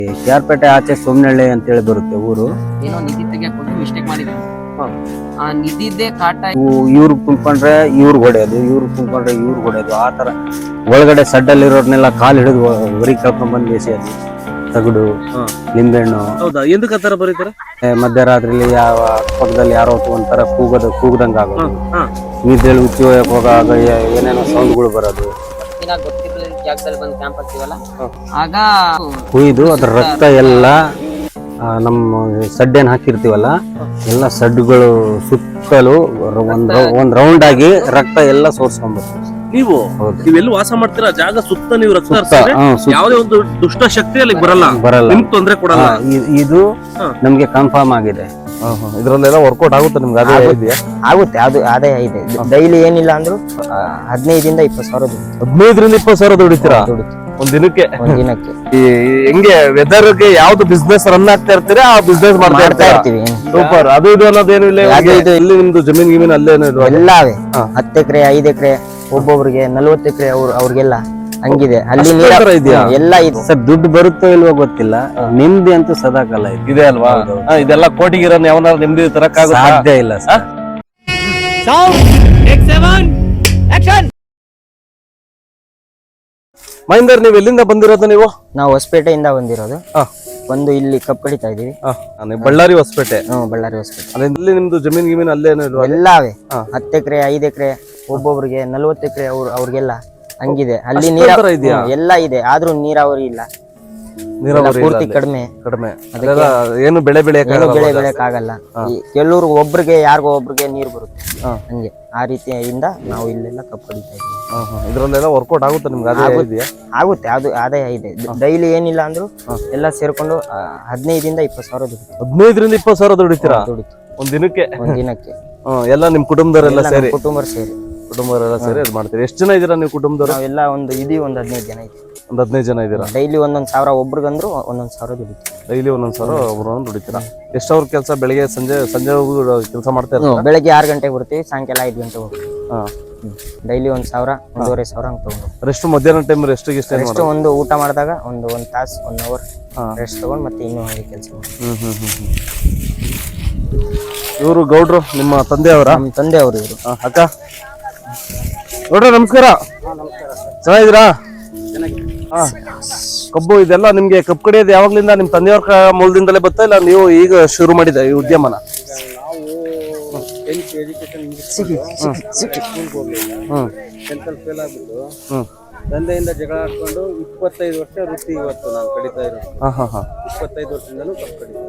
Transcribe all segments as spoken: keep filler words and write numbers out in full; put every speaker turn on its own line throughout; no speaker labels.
ಕ್ಯಾರ್ಪೇಟೆ ಆಚೆ ಸೋಮನಹಳ್ಳಿ ಅಂತೇಳಿ ಬರುತ್ತೆ ಊರು.
ಏನೋ ನಿಧಿ ತೆಗಿಯಕ್ ಹೋಗಿ ಮಿಸ್ಟೇಕ್ ಮಾಡಿದ್ರು. ಆ ನಿಧಿದ್ದೇ ಕಾಟ
ಇವ್ರು ಕುಂತ್ಕೊಂಡ್ರೆ ಇವ್ರು ಹೊಡೆಯೋದು, ಇವ್ರು ಕುಂತ್ಕೊಂಡ್ರೆ ಇವ್ರು ಹೊಡೆಯೋದು, ಆ ತರ ಒಳಗಡೆ ಸಡ್ಡಲ್ಲಿ ಇರೋರ್ನೆಲ್ಲ ಕಾಲು ಹಿಡಿದು ಹೊರಗೆ ಕರ್ಕೊಂಡ್ ಬಂದು ಬೇಸಿಯೋದು. ತಗಡು, ನಿಂಬೆಹಣ್ಣು.
ಹೌದಾ? ಎಂದಕ್ಕೆ ಆತರ ಬರೀತಾರೆ?
ಮಧ್ಯರಾತ್ರಿಲಿ ಯಾವ ಪಕ್ಕದಲ್ಲಿ ಯಾರೋ ಒಂಥರ ಕೂಗದ ಕೂಗದಂಗ ಆಗೋದು, ನಿದ್ದೆಯಲ್ಲಿ ಹುಚ್ಚಿ ಹೋಗಕ್ ಹೋಗಾಗ ಏನೇನೋ ಸೌಂಡ್ಗಳು ಬರೋದು.
ಗೊತ್ತಿರಲಿಲ್ಲ ಜಾಗದಲ್ಲಿ ಬಂದು ಕ್ಯಾಂಪ್ ಹಾಕ್ತೀವಲ್ಲ, ಆಗ
ಕುಯ್ದು ಅದ್ರ ರಕ್ತ ಎಲ್ಲ ನಮ್ಮ ಸಡ್ಡೇನ್ ಹಾಕಿರ್ತೀವಲ್ಲ, ಎಲ್ಲ ಸಡ್ಡುಗಳು ಸುತ್ತಲೂ ಒಂದ್ ಒಂದ್ ರೌಂಡ್ ಆಗಿ ರಕ್ತ ಎಲ್ಲ ಸೋರ್ಸ್ಕೊಂಡ್ಬರ್ತದೆ.
ನೀವು ನೀವೆಲ್ಲಿ ವಾಸ ಮಾಡ್ತೀರಾ ಜಾಗ ಸುತ್ತ ನೀವು ರಕ್ತ ಹರಿಸಿದ್ರೆ ಯಾವುದೇ ಒಂದು ದುಷ್ಟ ಶಕ್ತಿ ಅಲ್ಲಿ ಬರಲ್ಲ
ಬರಲ್ಲ
ನಿಮ್ಗೆ ತೊಂದ್ರೆ ಕೊಡಲ್ಲ.
ಇದು ನಮ್ಗೆ ಕನ್ಫರ್ಮ್ ಆಗಿದೆ.
ಇದ್ರಲ್ಲೆಲ್ಲ ವರ್ಕೌಟ್ ಆಗುತ್ತೆ ನಿಮ್ಗೆ? ಅದೇ ಇದೆಯಾ?
ಆಗುತ್ತೆ, ಅದು ಆದಾಯ ಇದೆ. ಡೈಲಿ ಏನಿಲ್ಲ ಅಂದ್ರೂ ಹದಿನೈದರಿಂದ ಇಪ್ಪತ್ತು ಸಾವಿರ
ಹದಿನೈದರಿಂದ ಇಪ್ಪತ್ತು ಸಾವಿರ ದುಡಿತೀರಾ ಒಂದ್ ದಿನಕ್ಕೆ?
ಒಂದ್ ದಿನಕ್ಕೆ.
ಹೆಂಗೆ ವೆದರ್ಗೆ ಯಾವ್ದು ಬಿಸ್ನೆಸ್ ರನ್ ಆಗ್ತಾ ಇರ್ತೀರಾ ಆ ಬಿಸ್ನೆಸ್ ಮಾಡ್ತಾ ಇರ್ತೀವಿ. ಸೂಪರ್. ಅದು ಇದು ಅನ್ನೋದೇನು ಇಲ್ಲ? ಇಲ್ಲಿ ನಿಮ್ದು ಜಮೀನ್ ಗಿಮೀನ್ ಅಲ್ಲೇನು
ಎಲ್ಲಾವೆ ಹತ್ತು ಎಕರೆ ಐದು ಎಕರೆ ಒಬ್ಬೊಬ್ರಿಗೆ ನಲ್ವತ್ತು ಎಕರೆ ಅವ್ರ ಅವ್ರಿಗೆಲ್ಲ ಹಂಗಿದೆ. ಅಲ್ಲಿ ನೀರ
ಇದೆಯಾ?
ಎಲ್ಲ ಇದೆ
ಸರ್. ದುಡ್ಡು ಬರುತ್ತೋ ಇಲ್ವೋ ಗೊತ್ತಿಲ್ಲ, ನಿಮ್ದಿ ಅಂತೂ ಸದಾಕಾಲ
ಇದೆ ಅಲ್ವಾ? ಇದೆಲ್ಲ ಕೋಟಿಗಿರೋ ಯಾವನಾರು ನಿಮ್ದು ತರಕ್ಕಾಗ
ಸಾಧ್ಯ ಇಲ್ಲ ಸರ್.
ಮಹೇಂದರ್, ನೀವು ಎಲ್ಲಿಂದ ಬಂದಿರೋದು? ನೀವು?
ನಾವು ಹೊಸಪೇಟೆಯಿಂದ ಬಂದಿರೋದು. ಒಂದು ಇಲ್ಲಿ ಕಪ್ ಕಡಿತಾ ಇದೀವಿ.
ಬಳ್ಳಾರಿ ಹೊಸಪೇಟೆ.
ಹ್ಮ್, ಬಳ್ಳಾರಿ ಹೊಸಪೇಟೆ.
ಅಲ್ಲಿ ನಿಮ್ದು ಜಮೀನ್ ಗಿಮೀನ್ ಅಲ್ಲೇನು ಇಲ್ವಾ?
ಎಲ್ಲಾವೆ ಹತ್ತು ಎಕರೆ ಐದು ಎಕರೆ ಒಬ್ಬೊಬ್ರಿಗೆ ನಲ್ವತ್ತು ಎಕರೆ ಅವ್ರ ಅವ್ರಿಗೆಲ್ಲ ಹಂಗಿದೆ. ಅಲ್ಲಿ ನೀರ ಎಲ್ಲ ಇದೆ, ಆದ್ರೂ ನೀರಾವರಿ ಇಲ್ಲ, ಪೂರ್ತಿ ಕಡಿಮೆ
ಕಡಿಮೆ ಏನು ಬೆಳೆ ಬೆಳೆ
ಬೆಳೆ ಬೆಳೆಯಕ್ ಆಗಲ್ಲ. ಕೆಲವ್ರು ಒಬ್ರಿಗೆ ಯಾರಿಗೋ ಒಬ್ರಿಗೆ ನೀರ್ ಬರುತ್ತೆ, ಹಂಗೆ ಆ ರೀತಿಯಿಂದ ನಾವು ಇಲ್ಲೆಲ್ಲ ಕಪ್ ಕಡಿತಾ ಇದೀವಿ.
ಇದ್ರಲ್ಲೆಲ್ಲ ವರ್ಕೌಟ್ ಆಗುತ್ತೆ ನಿಮ್ಗೆ?
ಆಗುತ್ತೆ, ಅದು ಆದಾಯ ಇದೆ. ಡೈಲಿ ಏನಿಲ್ಲ ಅಂದ್ರೂ ಎಲ್ಲ ಸೇರ್ಕೊಂಡು ಹದಿನೈದರಿಂದ ಇಪ್ಪತ್ತು ಸಾವಿರ ದುಡಿತೀವಿ.
ಹದಿನೈದರಿಂದ ಇಪ್ಪತ್ತು ಸಾವಿರ ದುಡಿತೀರಾ ಒಂದ್ ದಿನಕ್ಕೆ?
ಒಂದ್ ದಿನಕ್ಕೆ.
ಎಲ್ಲ ನಿಮ್ ಕುಟುಂಬದವರೆಲ್ಲ ಸೇರಿ?
ಕುಟುಂಬ ಸೇರಿ
ಕುಟುಂಬದವರೆಲ್ಲ ಸೇರಿ ಇದು ಮಾಡ್ತೀರಿ. ಎಷ್ಟು ಜನ ಇದೀರಾ ನೀವು ಕುಟುಂಬದವರು?
ನಾವೆಲ್ಲ ಒಂದು ಇದೀವಿ, ಒಂದ್ ಹದಿನೈದು ಜನ ಐತಿ.
ಒಂದ್ ಹದಿನೈದು ಜನ ಇದೀರಾ?
ಡೈಲಿ ಒಂದೊಂದ್ ಸಾವಿರ ಒಬ್ರಿಗಂದ್ರು ಒಂದೊಂದ್ ಸಾವಿರ ದುಡಿತೀವಿ.
ಡೈಲಿ ಒಂದೊಂದ್ ಸಾವಿರ ಒಬ್ರು ದುಡಿತೀರಾ? ಎಷ್ಟು ಅವ್ರ ಕೆಲಸ? ಬೆಳಿಗ್ಗೆ ಸಂಜೆ ಸಂಜೆ ಕೆಲಸ ಮಾಡ್ತಾ ಇರ್ತೀರಾ?
ಬೆಳಗ್ಗೆ ಆರು ಗಂಟೆಗೆ ಬರ್ತೀವಿ, ಸಾಯಂಕಾಲ ಐದು ಗಂಟೆಗೆ ಹೋಗ್ತೀವಿ. ಡೈಲಿ ಒಂದ್ ಸಾವಿರ ಒಂದೂವರೆ ಸಾವಿರ ಹಂಗೆ ತಗೊಂಡು.
ರೆಸ್ಟ್ ಮಧ್ಯಾಹ್ನ ಟೈಮ್ ರೆಸ್ಟ್
ರೆಸ್ಟ್ ಒಂದು ಊಟ ಮಾಡಿದಾಗ ಒಂದು ಒಂದ್ ತಾಸು ಒನ್ ಅವರ್ ರೆಸ್ಟ್ ತಗೊಂಡು ಮತ್ತೆ ಇನ್ನೂ ಹಾಗೆ ಕೆಲಸ ಮಾಡಿ.
ಹ್ಮ್ ಹ್ಮ್ ಹ್ಮ್ ಇವರು ಗೌಡ್ರು ನಿಮ್ಮ ತಂದೆಯವರ?
ನಮ್ಮ ತಂದೆ ಅವರು ಇವರು.
ಅಕ್ಕ ಗೌಡ್ರ ನಮಸ್ಕಾರ. ಚೆನ್ನಾಗಿದ್ದೀರಾ? ಕಬ್ಬು ಇದೆಲ್ಲ ನಿಮ್ಗೆ ಕಬ್ಬು ಕಡಿಯೋದು ಯಾವಾಗ್ಲಿಂದ ನಿಮ್ ತಂದೆಯವ್ರ ಮೂಲದಿಂದಲೇ ಬತ್ತಾ, ಇಲ್ಲ ನೀವು ಈಗ ಶುರು ಮಾಡಿದ ಈ ಉದ್ಯಮನ?
ತಂದೆಯಿಂದ ಜಗಳ ಆಡ್ಕೊಂಡು ಇಪ್ಪತ್ತೈದು ವರ್ಷ ವೃತ್ತಿ ಇವತ್ತು ನಾನು ಕಡಿತಾ ಇರೋದು. ಇಪ್ಪತ್ತೈದು ವರ್ಷದಿಂದಲೂ ಕಬ್ಬು ಕಡಿತಾ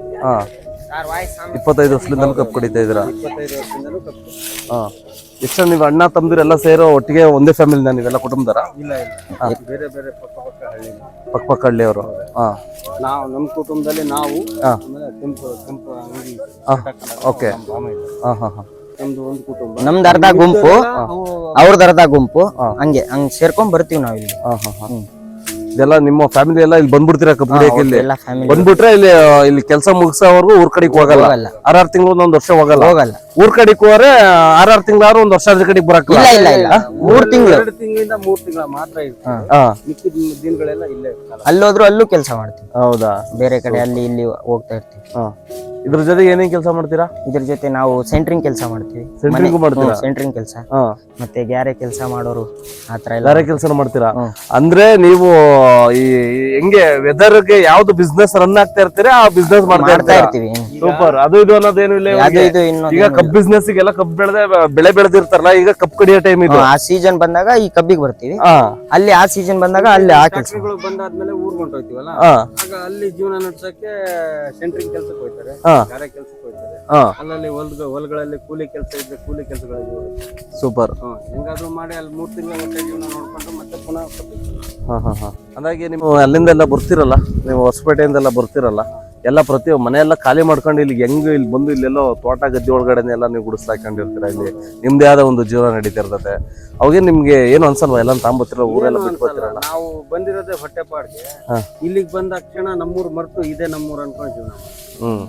ಇದ್ದೀನಿ.
ಇಪ್ಪತ್ತೈದು ವರ್ಷದಿಂದಲೂ ಕಬ್ಬು ಕಡಿತಾ ಇದ್ದೀರಾ?
ಇಪ್ಪತ್ತೈದು ವರ್ಷದಿಂದಲೂ ಕಬ್ಬು.
ಹಾ. ಎಷ್ಟು ನೀವು ಅಣ್ಣ ತಮ್ಮದಿರೆಲ್ಲ ಸೇರೋ ಒಟ್ಟಿಗೆ ಒಂದೇ ಫ್ಯಾಮಿಲಿನ ನೀವೆಲ್ಲ ಕುಟುಂಬದರ?
ಇಲ್ಲ ಇಲ್ಲ, ಬೇರೆ ಬೇರೆ ಪಕ್ಕ ಪಕ್ಕ ಹಳ್ಳಿ,
ಪಕ್ಕ ಪಕ್ಕ ಹಳ್ಳಿಯವರು. ಹಾ.
ನಾವು ನಮ್ಮ ಕುಟುಂಬದಲ್ಲಿ ನಾವು ಕೆಂಪು ಕೆಂಪು ಅಂಗಿ.
ಓಕೆ. ಹಾ ಹಾ ಹಾ.
ನಮ್ದು ಒಂದು ಕುಟುಂಬ,
ನಮ್ದು ಅರ್ಧ ಗುಂಪು, ಅವ್ರದ್ದು ಅರ್ಧ ಗುಂಪು, ಹಂಗೆ ಹಂಗ್ ಸೇರ್ಕೊಂಡ್ ಬರ್ತೀವಿ ನಾವು ಇಲ್ಲಿ.
ಹಾ ಹಾ ಹಾ. ಇದೆಲ್ಲ ನಿಮ್ಮ ಫ್ಯಾಮಿಲಿ ಎಲ್ಲ ಇಲ್ಲಿ ಬಂದ್ಬಿಡ್ತೀರಾ ಕಬ್ಬು ಕಡಿಯಕ್ಕೆ? ಇಲ್ಲಿ
ಎಲ್ಲ ಫ್ಯಾಮಿಲಿ
ಬಂದ್ಬಿಟ್ರೆ ಇಲ್ಲಿ ಇಲ್ಲಿ ಕೆಲಸ ಮುಗಿಸೋವರೆಗೂ ಊರ್ ಕಡೆಗೆ ಹೋಗಲ್ಲ? ಆರಾರು ತಿಂಗಳು ಒಂದೊಂದ್ ವರ್ಷ ಹೋಗಲ್ಲ?
ಹೋಗಲ್ಲ.
ಊರ್ ಕಡೆಗೆ ಹೋದ್ರೆ ಆರಾರು ತಿಂಗಳಾರು ಒಂದ್ ವರ್ಷ ಅದ್ರ ಕಡೆಗೆ ಬರಕ್?
ಇಲ್ಲ ಇಲ್ಲ ಇಲ್ಲ, ಮೂರ್ ತಿಂಗಳು,
ಎರಡು ತಿಂಗಳಿಂದ ಮೂರ್ ತಿಂಗಳ ಮಾತ್ರ ಇರುತ್ತೆ. ಮಿಕ್ಕಿದ ದಿನಗಳೆಲ್ಲ ಇಲ್ಲೇ
ಅಲ್ಲೋದ್ರು ಅಲ್ಲೂ ಕೆಲಸ ಮಾಡ್ತೀವಿ.
ಹೌದಾ?
ಬೇರೆ ಕಡೆ ಅಲ್ಲಿ ಇಲ್ಲಿ ಹೋಗ್ತಾ ಇರ್ತೀವಿ.
ಇದ್ರ ಜೊತೆಗೆ ಏನೇನ್ ಕೆಲಸ ಮಾಡ್ತೀರಾ?
ಇದ್ರ ಜೊತೆ ನಾವು ಸೆಂಟ್ರಿಂಗ್ ಕೆಲಸ ಮಾಡ್ತೀವಿ.
ಸೆಂಟ್ರಿಂಗ್ ಮಾಡ್ತೀರಾ?
ಸೆಂಟ್ರಿಂಗ್ ಕೆಲಸ, ಮತ್ತೆ ಗ್ಯಾರೆ ಕೆಲಸ ಮಾಡೋರು ಆತರ ಎಲ್ಲ
ಬೇರೆ ಕೆಲಸ ಮಾಡ್ತೀರಾ? ಅಂದ್ರೆ ನೀವು ಈ ಹೆಂಗೆ ವೆದರ್ಗೆ ಯಾವ್ದು ಬಿಸ್ನೆಸ್ ರನ್ ಆಗ್ತಾ ಇರ್ತೀರಾ ಆ ಬಿಸ್ನೆಸ್ ಮಾಡ್ತಾ
ಇರ್ತೀವಿ.
ಸೂಪರ್. ಅದು ಇದು ಅನ್ನೋದೇನು ಇಲ್ಲ? ಈಗ ಕಬ್ಬು ಬಿಸ್ನೆಸ್ ಗೆಲ್ಲ ಕಬ್ಬು ಬೆಳೆದ ಬೆಳೆ ಬೆಳೆದಿರ್ತಾರಲ್ಲ, ಈಗ ಕಬ್ಬು ಕಡಿಯೋ ಟೈಮ್ ಇದು.
ಆ ಸೀಸನ್ ಬಂದಾಗ ಈ ಕಬ್ಬಿಗೆ ಬರ್ತೀವಿ, ಅಲ್ಲಿ ಆ ಸೀಸನ್ ಬಂದಾಗ ಅಲ್ಲಿ ಆ ಕೆಲಸಗಳು
ಬಂದಾದ್ಮೇಲೆ ಊರ್ ಹೊಂಟೋಯ್ತೀವಲ್ಲ, ಆಗ ಅಲ್ಲಿ ಜೀವನ ನಡ್ಸಕ್ಕೆ ಸೆಂಟ್ರಿಂಗ್ ಕೆಲ್ಸಕ್ಕೆ ಹೋಗ್ತಾರೆ, ಗಾರೆ ಕೆಲ್ಸಕ್ಕೆ ಹೋಗ್ತಾರೆ. ಅಲ್ಲಲ್ಲಿ ಹೊಲ್ಗ ಹೊಲಗಳಲ್ಲಿ ಕೂಲಿ ಕೆಲಸ ಇದ್ರೆ ಕೂಲಿ ಕೆಲಸಗಳಿಗೆ ಹೋಗ್ತಾರೆ.
ಸೂಪರ್.
ಹೆಂಗಾದ್ರು ಮಾಡಿ ಅಲ್ಲಿ ಮೂರ್ ತಿಂಗಳ ಹೊಟ್ಟೆ ಜೀವನ ನೋಡ್ಕೊಂಡು ಮತ್ತೆ ಪುನಃ
ಹಾ ಹಾ ಹಾ. ಹಾಗಾಗಿ ನೀವು ಅಲ್ಲಿಂದ ಎಲ್ಲ ಬರ್ತಿರಲ್ಲ, ನೀವು ಹೊಸಪೇಟೆಯಿಂದೆಲ್ಲ ಬರ್ತಿರಲ್ಲ, ಎಲ್ಲ ಪ್ರತಿ ಮನೆಯೆಲ್ಲ ಖಾಲಿ ಮಾಡ್ಕೊಂಡು ಇಲ್ಲಿ ಹೆಂಗ್ ಇಲ್ಲಿ ಬಂದು ಇಲ್ಲೆಲ್ಲೋ ತೋಟ ಗದ್ದೆ ಒಳಗಡೆ ಎಲ್ಲ ನೀವು ಗುಡಿಸ್ಲಾಕೊಂಡಿರ್ತೀರ. ಇಲ್ಲಿ ನಿಮ್ದೇ ಆದ ಒಂದು ಜೀವನ ನಡೀತಿರ್ತದೆ. ಅವಾಗೇ ನಿಮ್ಗೆ ಏನು ಅನ್ಸಲ್ವಾ ಎಲ್ಲ ತಾಂಬತ್ತಿರ ಊರೆಲ್ಲ ಬಿಟ್ಕೊತಿರಲ್ಲ?
ನಾವು ಬಂದಿರೋದೇ ಹೊಟ್ಟೆ ಪಾಡ್ಗೆ, ಇಲ್ಲಿಗೆ ಬಂದ ತಕ್ಷಣ ನಮ್ಮೂರ್ ಮರ್ತು ಇದೇ ನಮ್ಮೂರ್ ಅನ್ಕೊಂಡು ಜೀವನ.
ಹ್ಮ್.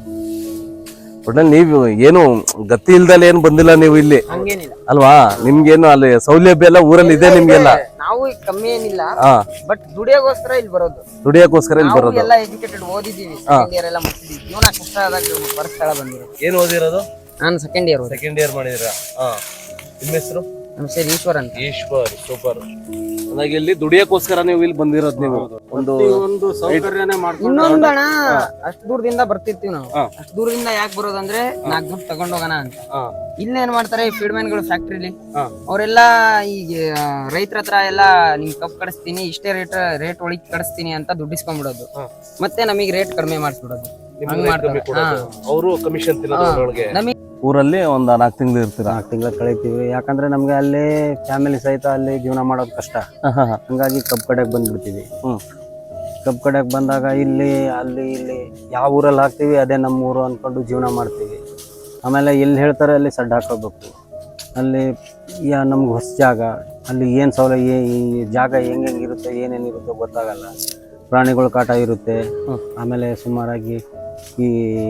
ಒಟ್ನಲ್ಲಿ ನೀವು ಏನು ಗತಿ ಇಲ್ದಲ್ಲ ಏನ್ ಬಂದಿಲ್ಲ ನೀವು ಇಲ್ಲಿ ಅಲ್ವಾ? ನಿಮ್ಗೇನು ಅಲ್ಲಿ ಸೌಲಭ್ಯ ಎಲ್ಲ ಊರಲ್ಲಿ ಇದೆ ನಿಮ್ಗೆಲ್ಲ?
ನಾವು ಈಗ ಕಮ್ಮಿ ಏನಿಲ್ಲ
ಹಾ
ಬಟ್ ದುಡಿಯೋಗೋಸ್ಕರ ಇಲ್ಲಿ ಬರೋದು.
ದುಡಿಯೋಕೋಸ್ಕರ ಇಲ್ಲಿ
ನಾವು
ಬರೋದು.
ಎಲ್ಲ ಎಜುಕೇಟೆಡ್ ಓದಿದೀವಿ, ಸೆಕೆಂಡ್ ಇಯರ್ ಎಲ್ಲ ಮುಗಿಸಿದೀವಿ. ಜೀವನ ಕಷ್ಟ ಆದಾಗ ಬರೋ ಸ್ಥಳ ಬಂದಿರೋದು.
ಏನ್ ಓದಿರೋದು?
ನಾನು ಸೆಕೆಂಡ್ ಇಯರ್ ಓದಿ.
ಸೆಕೆಂಡ್ ಇಯರ್ ಮಾಡಿದಿರಾ? ಹಾ. ನಿಮ್ಮ ಹೆಸರು?
ನಮ್ಮ ಹೆಸರು ಈಶ್ವರ್ ಅಂತ.
ಈಶ್ವರ್, ಸೂಪರ್. ಹಾಗಾಗಿ ಇಲ್ಲಿ ದುಡಿಯೋಕೋಸ್ಕರ ನೀವು ಇಲ್ಲಿ ಬಂದಿರೋದು. ನೀವು ಒಂದು
ಒಂದು ಸೌಕರ್ಯನೇ ಮಾಡ್ಕೊಂಡು
ಇನ್ನೊಂದು ಅಣ್ಣ, ಅಷ್ಟ್ ದೂರದಿಂದ ಬರ್ತಿರ್ತೀವಿ ನಾವು.
ಹಾ.
ಅಷ್ಟ್ ದೂರದಿಂದ ಯಾಕೆ ಬರೋದಂದ್ರೆ ನಾಲ್ಕು ದುಡ್ಡು ತಗೊಂಡ್ ಹೋಗೋಣ ಅಂತ.
ಹಾ.
ಇಲ್ಲೇ ಏನ್ ಮಾಡ್ತಾರೆ ಫೀಡ್ ಮ್ಯಾನ್ ಗಳು ಫ್ಯಾಕ್ಟ್ರಿಲಿ,
ಹಾ.
ಅವರೆಲ್ಲ ಈಗ ರೈತರ ಹತ್ರ ಎಲ್ಲ ನಿಮ್ ಕಪ್ ಕಡಿಸ್ತೀನಿ, ಇಷ್ಟೇ ರೇಟ್ ರೇಟ್ ಒಳಗೆ ಕಡಿಸ್ತೀನಿ ಅಂತ ದುಡ್ಡಿಸ್ಕೊಂಡ್ಬಿಡೋದು.
ಹಾ.
ಮತ್ತೆ ನಮಗೆ ರೇಟ್ ಕಡಿಮೆ ಮಾಡಿಸ್ಬಿಡೋದು. ಹಂಗ್ ಮಾಡ್ತಾರೆ.
ಅವರು ಕಮಿಷನ್ ತಿನ್ನೋದ್ರೊಳಗೆ.
ನಮಗೆ
ಊರಲ್ಲಿ ಒಂದ್ ನಾಲ್ಕು ತಿಂಗಳು ಇರ್ತೀರಾ?
ನಾಲ್ಕು ತಿಂಗಳ ಕಳಿತೀವಿ. ಯಾಕಂದ್ರೆ ನಮ್ಗೆ ಅಲ್ಲಿ ಫ್ಯಾಮಿಲಿ ಸಹಿತ ಅಲ್ಲಿ ಜೀವನ ಮಾಡೋದು ಕಷ್ಟ. ಹಂಗಾಗಿ ಕಬ್ಬ್ ಕಡೆಗೆ ಬಂದ್ಬಿಡ್ತೀವಿ.
ಹ್ಮ್.
ಕಬ್ಬ್ ಕಡೆಗೆ ಬಂದಾಗ ಇಲ್ಲಿ ಅಲ್ಲಿ ಇಲ್ಲಿ ಯಾವ ಊರಲ್ಲಿ ಹಾಕ್ತಿವಿ ಅದೇ ನಮ್ಮ ಊರು ಅನ್ಕೊಂಡು ಜೀವನ ಮಾಡ್ತೀವಿ. ಆಮೇಲೆ ಎಲ್ಲಿ ಹೇಳ್ತಾರೆ ಅಲ್ಲಿ ಸಡ್ಡು ಹಾಕೋಬೇಕು. ಅಲ್ಲಿ ಯಾ ನಮ್ಗೆ ಹೊಸ ಜಾಗ, ಅಲ್ಲಿ ಏನು ಸೌಲಭ್ಯ, ಈ ಜಾಗ ಹೆಂಗೆ ಹೆಂಗಿರುತ್ತೆ ಏನೇನಿರುತ್ತೋ ಗೊತ್ತಾಗಲ್ಲ. ಪ್ರಾಣಿಗಳ ಕಾಟ ಇರುತ್ತೆ. ಆಮೇಲೆ ಸುಮಾರಾಗಿ ಈ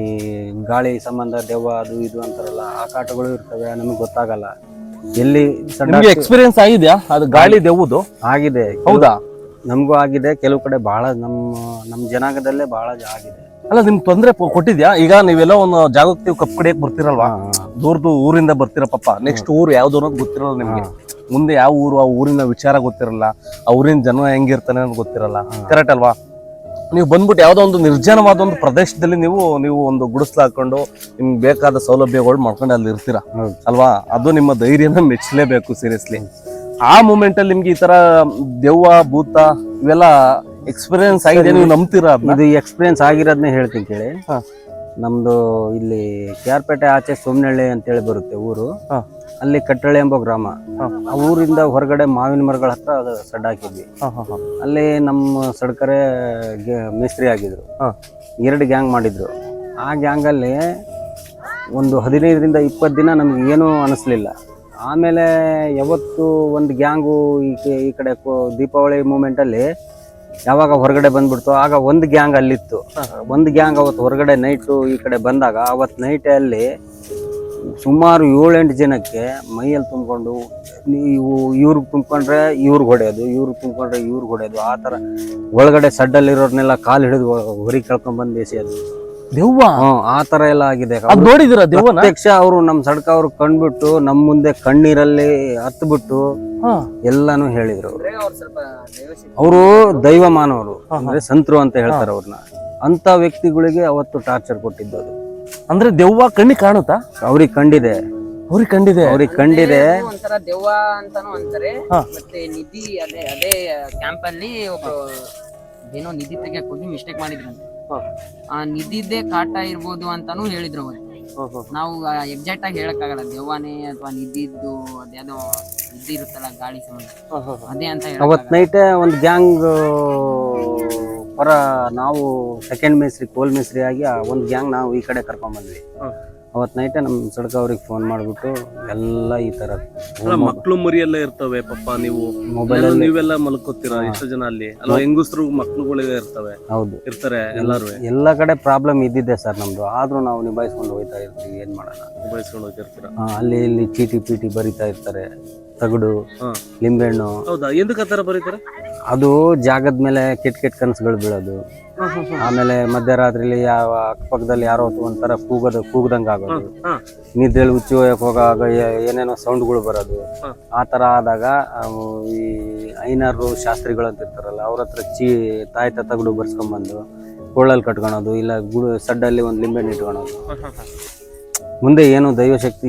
ಗಾಳಿ ಸಂಬಂಧ ದೆವ್ವ ಅದು ಇದು ಅಂತಾರಲ್ಲ, ಆ ಕಾಟಗಳು ಇರ್ತವೆ, ನಮಗೆ ಗೊತ್ತಾಗಲ್ಲ ಎಲ್ಲಿ
ನಿಮ್ಗೆ ಎಕ್ಸ್ಪೀರಿಯನ್ಸ್ ಆಗಿದ್ಯಾ ಅದು ಗಾಳಿ ದೆವ್ವದು?
ಆಗಿದೆ.
ಹೌದಾ?
ನಮಗೂ ಆಗಿದೆ. ಕೆಲವು ಕಡೆ ಬಹಳ ನಮ್ಮ ನಮ್ಮ ಜನಾಂಗದಲ್ಲೇ ಬಹಳ ಆಗಿದೆ.
ಅಲ್ಲ ನಿಮ್ ತೊಂದ್ರೆ ಪ- ಕೊಟ್ಟಿದ್ಯಾ? ಈಗ ನೀವೆಲ್ಲ ಒಂದು ಜಾಗಕ್ಕೆ ನೀವು ಕಪ್ ಕಡಿಯಕ್ ಬರ್ತಿರಲ್ವಾ, ದೂರದು ಊರಿಂದ ಬರ್ತಿರ ಪಾಪ, ನೆಕ್ಸ್ಟ್ ಊರು ಯಾವ್ದು ಅನ್ನೋದು ಗೊತ್ತಿರಲ್ಲ ನಿಮ್ಗೆ. ಮುಂದೆ ಯಾವ ಊರು, ಆ ಊರಿನ ವಿಚಾರ ಗೊತ್ತಿರಲ್ಲ, ಆ ಊರಿನ ಜನ ಹೆಂಗಿರ್ತಾನೆ ಅನ್ನೋದು ಗೊತ್ತಿರಲ್ಲ. ಕರೆಕ್ಟ್ ಅಲ್ವಾ? ನೀವು ಬಂದ್ಬಿಟ್ಟು ಯಾವ್ದೋ ಒಂದು ನಿರ್ಜನವಾದ ಒಂದು ಪ್ರದೇಶದಲ್ಲಿ ನೀವು ನೀವು ಒಂದು ಗುಡಿಸ್ಲು ಹಾಕೊಂಡು ನಿಮ್ಗೆ ಬೇಕಾದ ಸೌಲಭ್ಯಗಳು ಮಾಡ್ಕೊಂಡು ಅಲ್ಲಿ ಇರ್ತೀರಾ ಅಲ್ವಾ? ಅದು ನಿಮ್ಮ ಧೈರ್ಯನ ಮೆಚ್ಚಲೇಬೇಕು ಸೀರಿಯಸ್ಲಿ. ಆ ಮೂಮೆಂಟ್ ಅಲ್ಲಿ ನಿಮ್ಗೆ ಈ ತರ ದೆವ್ವ ಭೂತ ಇವೆಲ್ಲ ಎಕ್ಸ್ಪೀರಿಯನ್ಸ್ ಆಗಿದೆ, ನೀವು ನಂಬ್ತೀರಾ?
ಇದು ಎಕ್ಸ್ಪೀರಿಯನ್ಸ್ ಆಗಿರೋದನ್ನೇ ಹೇಳ್ತೀನಿ ಕೇಳಿ. ನಮ್ದು ಇಲ್ಲಿ ಕೆ ಆರ್ ಪೇಟೆ ಆಚೆ ಸೋಮನಹಳ್ಳಿ ಅಂತೇಳಿ ಬರುತ್ತೆ ಊರು. ಅಲ್ಲಿ ಕಟ್ಟಳ್ಳಿ ಎಂಬ ಗ್ರಾಮ. ಆ ಊರಿಂದ ಹೊರಗಡೆ ಮಾವಿನ ಮರಗಳ ಹತ್ರ ಅದು ಸಡ್ ಹಾಕಿದ್ವಿ. ಅಲ್ಲಿ ನಮ್ಮ ಸಡ್ಕರೆ ಮೇಸ್ತ್ರಿ ಆಗಿದ್ರು. ಎರಡು ಗ್ಯಾಂಗ್ ಮಾಡಿದ್ರು. ಆ ಗ್ಯಾಂಗಲ್ಲಿ ಒಂದು ಹದಿನೈದರಿಂದ ಇಪ್ಪತ್ತು ದಿನ ನಮ್ಗೆ ಏನೂ ಅನಿಸ್ಲಿಲ್ಲ. ಆಮೇಲೆ ಯಾವತ್ತು ಒಂದು ಗ್ಯಾಂಗು ಈ ಕಡೆ ದೀಪಾವಳಿ ಮೂಮೆಂಟಲ್ಲಿ ಯಾವಾಗ ಹೊರಗಡೆ ಬಂದ್ಬಿಡ್ತು, ಆಗ ಒಂದು ಗ್ಯಾಂಗ್ ಅಲ್ಲಿತ್ತು. ಒಂದು ಗ್ಯಾಂಗ್ ಅವತ್ತು ಹೊರಗಡೆ ನೈಟು ಈ ಕಡೆ ಬಂದಾಗ ಅವತ್ತು ನೈಟ್ ಅಲ್ಲಿ ಸುಮಾರು ಏಳೆಂಟು ಜನಕ್ಕೆ ಮೈಯಲ್ಲಿ ತುಂಬಿಕೊಂಡು, ನೀವು ಇವ್ರಿಗೆ ತುಂಬ್ಕೊಂಡ್ರೆ ಇವ್ರಿಗೆ ಹೊಡೆಯೋದು, ಇವ್ರಿಗೆ ತುಂಬ್ಕೊಂಡ್ರೆ ಇವ್ರಿಗೆ ಹೊಡೆಯೋದು, ಆ ಥರ ಒಳಗಡೆ ಸಡ್ಡಲ್ಲಿರೋರ್ನೆಲ್ಲ ಕಾಲು ಹಿಡಿದು ಹೊರಗೆ ಕಳ್ಕೊಂಡ್ಬಂದು ಎಸೆಯೋದು.
ದೆವ್ವ
ಹ್ಮ್ ಆ ತರ ಎಲ್ಲ ಆಗಿದೆ.
ನೋಡಿದಿರ ದೆವ್ವನ?
ಪ್ರತ್ಯಕ್ಷ ಅವರು ನಮ್ ಸಡ್ಕ ಅವ್ರು ಕಂಡ್ಬಿಟ್ಟು ನಮ್ ಮುಂದೆ ಕಣ್ಣೀರಲ್ಲಿ ಹತ್ತು ಬಿಟ್ಟು ಎಲ್ಲಾನು ಹೇಳಿದ್ರು. ಅವರು ದೈವ ಮಾನವರು ಅಂದ್ರೆ ಸಂತರು ಅಂತ ಹೇಳ್ತಾರೆ ಅವ್ರನ್ನ. ಅಂತ ವ್ಯಕ್ತಿಗಳಿಗೆ ಅವತ್ತು ಟಾರ್ಚರ್ ಕೊಟ್ಟಿದ್ದು ಅದು.
ಅಂದ್ರೆ ದೆವ್ವ ಕಣ್ಣಿ ಕಾಣುತ್ತಾ?
ಅವ್ರಿಗೆ ಕಂಡಿದೆ,
ಅವ್ರಿಗೆ ಕಂಡಿದೆ,
ಅವ್ರಿಗೆ ಕಂಡಿದೆ.
ಒಂಥರ ದೆವ್ವ ಅಂತಾನು ಅಂತಾರೆ. ಮತ್ತೆ ನಿಧಿ ಅದೇ ಅದೇ ಕ್ಯಾಂಪ್ ಅಲ್ಲಿ ಒಬ್ಬ ಏನೋ ನಿಧಿ ತೆಗಿಯಕ್ ಹೋಗಿ ಮಿಸ್ಟೇಕ್ ಮಾಡಿದ್ರಂತೆ. ಆ ನಿಧಿದ್ದೇ ಕಾಟ ಇರ್ಬೋದು ಅಂತಾನು ಹೇಳಿದ್ರು ಅವತ್ತು. ನಾವು ಎಕ್ಸಾಕ್ಟ್ ಆಗಿ ಹೇಳಕ್ ಆಗಲ್ಲ ದೆವ್ವನೇ ಅಥವಾ ನಿಧಿದ್ದು ಅದ್ಯಾವುದೋ ನಿಧಿ ಇರುತ್ತಲ್ಲ ಗಾಳಿ ಸಂಬಂಧ ಅದೇ ಅಂತ.
ಅವತ್ ನೈಟ್ ಒಂದು ಗ್ಯಾಂಗ್ ಪರ ನಾವು ಸೆಕೆಂಡ್ ಮೇಸ್ತ್ರಿ ಕೋಲ್ ಮೇಸ್ತ್ರಿ ಆಗಿ ಒಂದು ಗ್ಯಾಂಗ್ ನಾವು ಈ ಕಡೆ ಕರ್ಕೊಂಡ್ ಬಂದ್ವಿ. ಅವತ್ ನೈಟ್ ನಮ್ ಸಡ್ಕ ಅವ್ರಿಗೆ ಫೋನ್ ಮಾಡ್ಬಿಟ್ಟು ಎಲ್ಲ ಈ ತರ
ಮಕ್ಳು ಮರಿ ಎಲ್ಲ ಇರ್ತವೆ ಪಾಪ, ನೀವು ಮೊಬೈಲ್ ನೀವೆಲ್ಲ ಮಲ್ಕೋತೀರಾ ಎಷ್ಟು ಜನ ಅಲ್ಲಿ ಅಲ್ವಾ? ಹೆಂಗಸ್ರು ಮಕ್ಳುಗಳಿಗೆ ಇರ್ತವೆ. ಹೌದು ಇರ್ತಾರೆ ಎಲ್ಲಾರು.
ಎಲ್ಲ ಕಡೆ ಪ್ರಾಬ್ಲಮ್ ಇದ್ದಿದ್ದೆ ಸರ್ ನಮ್ದು. ಆದ್ರೂ ನಾವು ನಿಭಾಯಿಸ್ಕೊಂಡು ಹೋಗ್ತಾ ಇರ್ತೀವಿ. ಏನ್ ಮಾಡೋಣ,
ನಿಭಾಯಿಸ್ಕೊಂಡು ಹೋಗಿರ್ತೀರಾ.
ಅಲ್ಲಿ ಇಲ್ಲಿ ಚೀಟಿ ಪೀಟಿ ಬರಿತಾ ಇರ್ತಾರೆ, ತಗಡು ಲಿಂಬೆಹಣ್ಣು.
ಹೌದಾ? ಎಂದಕ್ಕೆ ಆತರ ಬರೀತಾರೆ?
ಅದು ಜಾಗದ ಮೇಲೆ ಕೆಟ್ಟ ಕೆಟ್ಟ ಕನಸುಗಳು ಬೀಳೋದು. ಆಮೇಲೆ ಮಧ್ಯರಾತ್ರಿಲಿ ಯಾವ ಅಕ್ಕಪಕ್ಕದಲ್ಲಿ ಯಾರೋ ಒಂಥರ ಕೂಗದ ಕೂಗದಂಗ ಆಗೋದು, ನಿದ್ರೆಯಲ್ಲಿ ಹುಚ್ಚಿ ಹೋಯಕ್ ಹೋಗಾಗ ಏನೇನೋ ಸೌಂಡ್ಗಳು ಬರೋದು. ಆ ತರ ಆದಾಗ ಈ ಐನಾರು ಶಾಸ್ತ್ರಿಗಳು ಅಂತ ಇರ್ತಾರಲ್ಲ ಅವ್ರ ಹತ್ರ ಚೀ ತಾಯ್ತ ತಗಡು ಬರ್ಸ್ಕೊಂಡ್ಬಂದು ಕೊಳ್ಳಲ್ಲಿ ಕಟ್ಕೊಳೋದು, ಇಲ್ಲ ಗುಡು ಸಡ್ಡಲ್ಲಿ ಒಂದು ಲಿಂಬೆಹಣ್ಣು ಇಟ್ಕೊಳೋದು. ಮುಂದೆ ಏನು ದೈವಶಕ್ತಿ